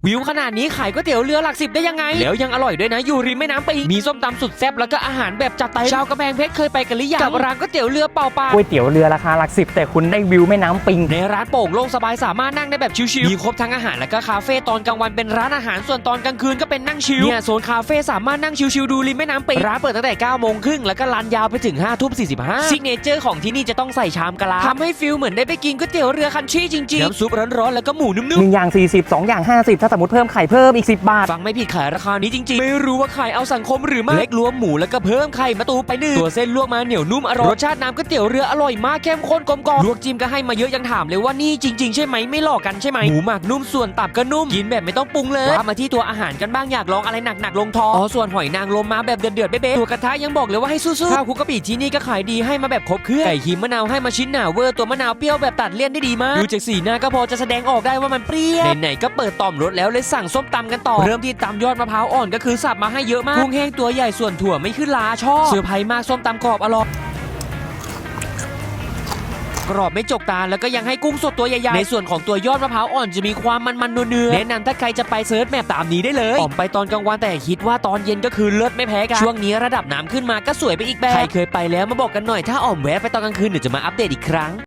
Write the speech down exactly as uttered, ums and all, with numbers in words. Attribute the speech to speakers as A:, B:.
A: วิวขนาดนี้ขายก๋วยเตี๋ยวเรือหลักสิบได้ยังไงแล้วยังอร่อยด้วยนะอยู่ริมแม่น้ำปิงมีส้มตำสุดแซ่บแล้วก็อาหารแบบจัดเต็มชาวกำแพงเพชรเคยไปกันหรือยังกับร้านก๋วยเตี๋ยวเรือเป่าปาก
B: ก๋วยเตี๋ยวเรือราคาหลักสิบแต่คุณได้วิวแม่น้ำปิง
A: ในร้านโป่งโล่งสบายสามารถนั่งได้แบบชิลๆมีครบทั้งอาหารและก็คาเฟ่ตอนกลางวันเป็นร้านอาหารส่วนตอนกลางคืนก็เป็นนั่งชิลเนี่ยโซนคาเฟ่สามารถนั่งชิลๆดูริมแม่น้ำปิงร้านเปิดตั้งแต่เก้าโมงครึ่งแล้วก็ร้านยาวไปถึงห้าทุ่มสี่สิบห้าซิกเนเจอร์ของที่นี่จะต้องใส่ชามกะลาทำให้ฟิลเหมือนได้ไปกินก๋วยเตี๋ยวเรือคันทรีจริงๆน้ำซุปร้อนๆแล้วก็หมูนุ่มๆ
B: หนึ่งอย่างสี่สิบ สองอย่างห้าสิบถ้าสมมติเพิ่มไข่เพิ่มอีกสิบบาท
A: ฟังไม่ผิดขายราคานี้จริงๆไม่รู้ว่าขายเอาสังคมหรือไม่เล็กรวมหมูแล้วก็เพิ่มไข่มาตูไปหนึ่งตัวเส้นลวกมาเหนียวนุ่มอร่อยรสชาติน้ำก๋วยเตี๋ยวเรืออร่อยมากเข้มข้นกลมกล่อมลวกจิ้มก็ให้มาเยอะยังถามเลยว่านี่จริงๆใช่ไหมไม่หลอกกันใช่ไหมหมูหมักนุ่มส่วนตับก็นุ่มกินแบบไม่ต้องปรุงเลยว่ามาที่ตัวอาหารกันบ้างอยากลองอะไรหนักๆลงท้องอ๋อส่วนหอยนางรมมาแบบเดือดๆเบ๊ะๆตัวกระทะยังบอกเลยว่าให้สู้ๆข้าวคลุกกะปิที่นี่ก็ขายดีให้มาแบบครบเครื่องไก่ขีมมะนาวให้มาชิ้นหนาเวอร์ตัวมะนาวเปรี้ยวแบบตัดเลี่ยนได้ดีมากดูจากสีหน้าก็พอจะแสดงออกได้ว่ามันเปรี้ยวไหนๆก็เปิดต่อมรสแล้วเลยสั่งส้มตำกันต่อเริ่มที่ตำยอดมะพร้าวอ่อนก็คือสับมาให้เยอะมากกุ้งแห้งตัวใหญ่ส่วนถั่วไม่ขึ้นลาชอบเซอร์ไพรส์มากส้มตำกรอบอร่อยกรอบไม่จกตาแล้วก็ยังให้กุ้งสดตัวใหญ่ๆในส่วนของตัวยอดมะพร้าวอ่อนจะมีความมันๆเนื้อๆแนะนำถ้าใครจะไปเซิร์ชแมปตามนี้ได้เลยออกไปตอนกลางวันแต่คิดว่าตอนเย็นก็คือเลิศไม่แพ้กันช่วงนี้ระดับน้ำขึ้นมาก็สวยไปอีกแบบใครเคยไปแล้วมาบอกกันหน่อยถ้าอ่อมแวะไปตอนกลางคืนเดี๋ยวจะมาอัปเดตอีกครั้ง